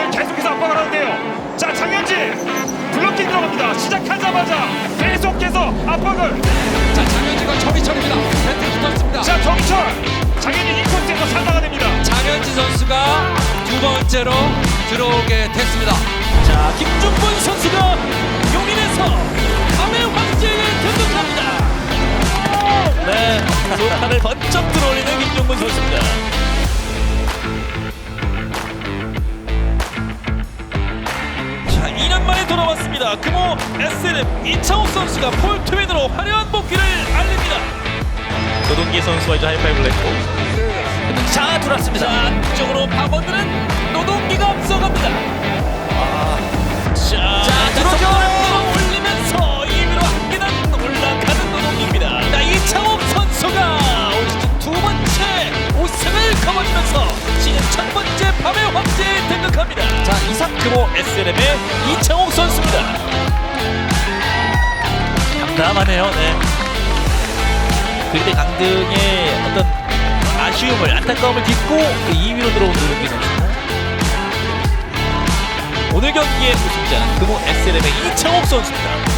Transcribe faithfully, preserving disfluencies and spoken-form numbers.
에스엘엠 계속해서 압박을 하는데요. 자, 장현지 블록킹 들어갑니다. 시작하자마자 계속해서 압박을. 자, 장현진과 정희철입니다. 배틀 붙었습니다. 자, 정희철 장현지 이 코스에서 살다가 됩니다. 장현진 선수가 두 번째로 들어오게 됐습니다. 자, 김중권 선수가 용인에서 밤의 황제에 등극합니다. 네, 소판을 번쩍 들어올리는 김중권 선수입니다. 자, 이 년 만에 돌아왔습니다. 금호 에스엘엠 이창욱 선수가 폴 트윈으로 화려한 복귀를 알립니다. 노동기 선수와 이제 하이파이브를 했고, 자, 들어왔습니다. 자, 안쪽으로 파고드는 노동기가 앞서갑니다. 자, 자 들어줘 올리면서 이 위로 한 계단 올라가는 노동기입니다. 자, 이창욱 선수가 올 시즌 두 번째 우승을 거머쥐면서 시즌 첫 번째 밤의 황제에 등극합니다. 자, 이상 금호 에스엘엠의 이창욱 선수입니다. 담담하네요. 네. 그때 강등의 어떤 아쉬움을, 안타까움을 딛고 이 위로 들어온 노동기 선수. 오늘 경기의 우승자는 금호 에스엘엠의 이창욱 선수입니다.